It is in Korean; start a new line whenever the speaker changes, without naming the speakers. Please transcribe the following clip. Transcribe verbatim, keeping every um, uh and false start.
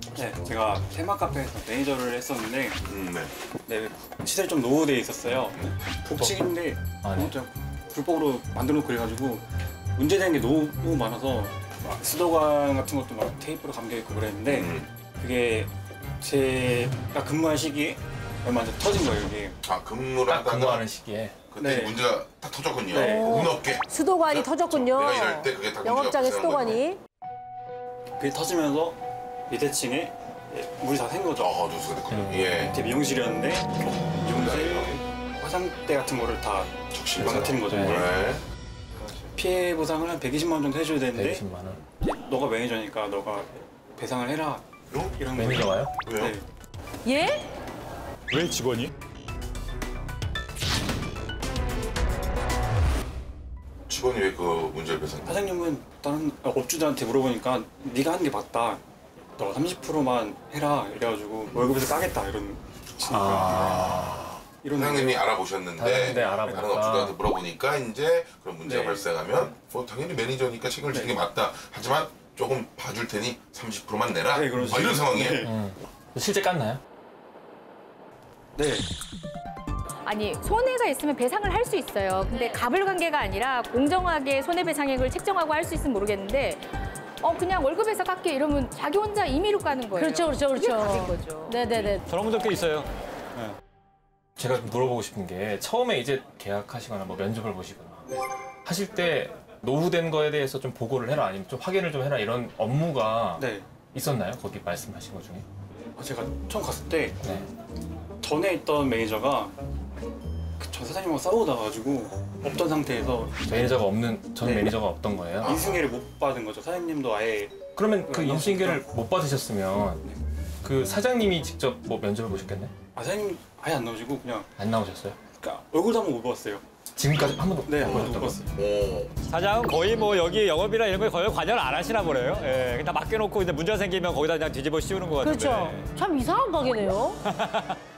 네, 제가 테마 카페에서 매니저를 했었는데
음, 네.
네, 시설이 좀 노후되어 있었어요. 복층인데
아, 네.
진짜 불법으로 만들어놓고 그래가지고 문제되는 게 너무 많아서 막 수도관 같은 것도 막 테이프로 감겨있고 그랬는데
음.
그게 제가 근무한 시기에 얼마 안 터진 거예요, 이게.
아, 근무를
딱
하다가
근무하는 시기에.
그때
네.
문제가 딱 터졌군요.
네.
운 없게.
수도관이
자,
터졌군요.
내가 일할 때 그게 다 문제가
영업장의
발생한
수도관이.
그게 터지면서 밑에 층에 물이 다 샌 거죠.
어, 누수가 됐군요.
음.
예.
밑에 미용실이었는데 미용실 화장대 같은 거를 다
적실
망가뜨린 거죠.
네.
이게.
네.
피해 보상을 한 백이십만 원 정도 해줘야 되는데
백이십만 원.
너가 매니저니까 너가 배상을 해라
요?
이런
매니저 와요?
거예요.
왜요?
네.
예?
왜 직원이?
직원이 왜 그 문제를 배상?
사장님은 다른 업주들한테 물어보니까 네가 하는 게 맞다. 너가 삼십 퍼센트만 해라 이래가지고 월급에서 까겠다 이런
아.
이런
사장님이 알아보셨는데
다른 데 알아보니까.
다른 업주들한테 물어보니까 이제 그런 문제가
네.
발생하면 뭐 당연히 매니저니까 책임을 지는 게 맞다. 하지만 조금 봐줄 테니 삼십 퍼센트만 내라.
네, 그런
뭐 이런
식으로.
상황이에요.
네.
음. 실제 깠나요?
네.
아니 손해가 있으면 배상을 할 수 있어요. 근데 갑을 관계가 아니라 공정하게 손해배상액을 책정하고 할 수 있으면 모르겠는데 어 그냥 월급에서 깎게 이러면 자기 혼자 임의로 까는 거예요.
그렇죠, 그렇죠,
그게
그렇죠.
갑인 거죠.
네네네.
저런 분들도 있어요.
제가 좀 물어보고 싶은 게 처음에 이제 계약하시거나 뭐 면접을 보시거나 하실 때 노후된 거에 대해서 좀 보고를 해라 아니면 좀 확인을 좀 해라 이런 업무가
네.
있었나요? 거기 말씀하신 것 중에?
어, 제가 처음 갔을 때
네.
전에 있던 매니저가 그 전 사장님하고 싸우다가지고 없던 상태에서
매니저가 없는 전
네.
매니저가 없던 거예요.
인승계를 못 받은 거죠. 사장님도 아예
그러면 그
네,
인수인계를 못 받으셨으면 그 사장님이 직접 뭐 면접을 보셨겠네?
아, 사장님 아예 안 나오시고 그냥
안 나오셨어요?
그러니까 얼굴도 한번 못 봤어요.
지금까지 한 번도
네, 한
못
번도 못
보셨다고요?
봤어요.
오.
사장은 거의 뭐 여기 영업이나 이런 거에 거의 관여를 안 하시나 보네요. 예, 그냥 다 맡겨놓고 이제 문제가 생기면 거기다 그냥 뒤집어 씌우는 것 같은데.
그렇죠. 참 이상한 가게네요.